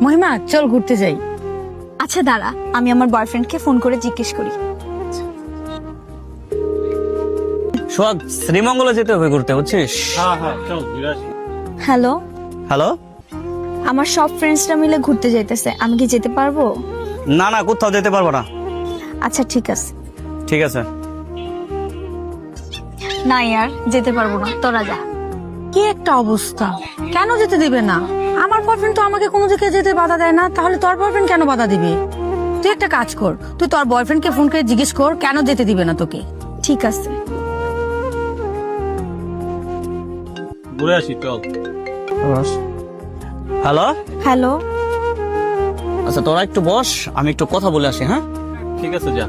মহিমা চল ঘুরতে যাই। আচ্ছা দাঁড়া, আমি আমার বয়ফ্রেন্ডকে ফোন করে জিজ্ঞেস করি। সোহাগ, শ্রীমঙ্গলে যেতে হবে ঘুরতে, বুঝছিস? Hello, hello. আমার সব ফ্রেন্ডসরা মিলে ঘুরতে যাইতেছে, আমি কি যেতে পারবো? না না, কোথাও যেতে পারবো না। আচ্ছা ঠিক আছে। ঠিক আছে। না ইয়ার, যেতে পারবো না, তোরা যা। কি একটা অবস্থা, কেন যেতে দিবে না? আমার বয়ফ্রেন্ড তো আমাকে কোনো দিকে যেতে বাধা দেয় না, তাহলে তোর বয়ফ্রেন্ড কেন বাধা দিবে? তুই একটা কাজ কর, তুই তোর বয়ফ্রেন্ডকে ফোন করে জিজ্ঞেস কর কেন যেতে দিবে না তোকে। ঠিক আছে। ঘুরে আসি, চল। হ্যালো। হ্যালো, আচ্ছা তোরা একটু বস, আমি একটু কথা বলে আসি। হ্যাঁ ঠিক আছে, যা।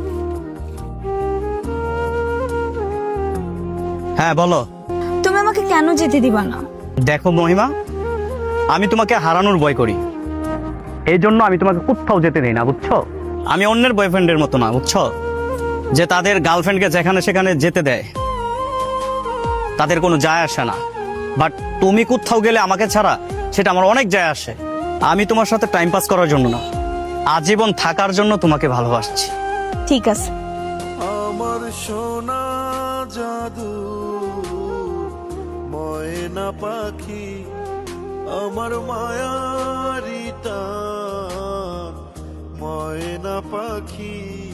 হ্যাঁ বলো। তুমি আমাকে কেন যেতে দিবা না? দেখো মহিমা, আমি তোমাকে হারানোর ভয় করি, এই জন্য আমি তোমাকে কোথাও যেতে দেই না, বুঝছো? আমি অন্যের বয়ফ্রেন্ডের মতো না, বুঝছো, যে তাদের গার্লফ্রেন্ডকে যেখানে সেখানে যেতে দেয়, তাদের কোনো যায় আসে না। বাট তুমি কোথাও গেলে আমাকে ছাড়া, সেটা আমার অনেক যায় আসে। আমি তোমার সাথে টাইম পাস করার জন্য না, আজীবন থাকার জন্য তোমাকে ভালোবাসছি। ঠিক আছে। আমার সোনা জাদু ময়না পাখি, আমার মায়ারি টান ময়না পাখি।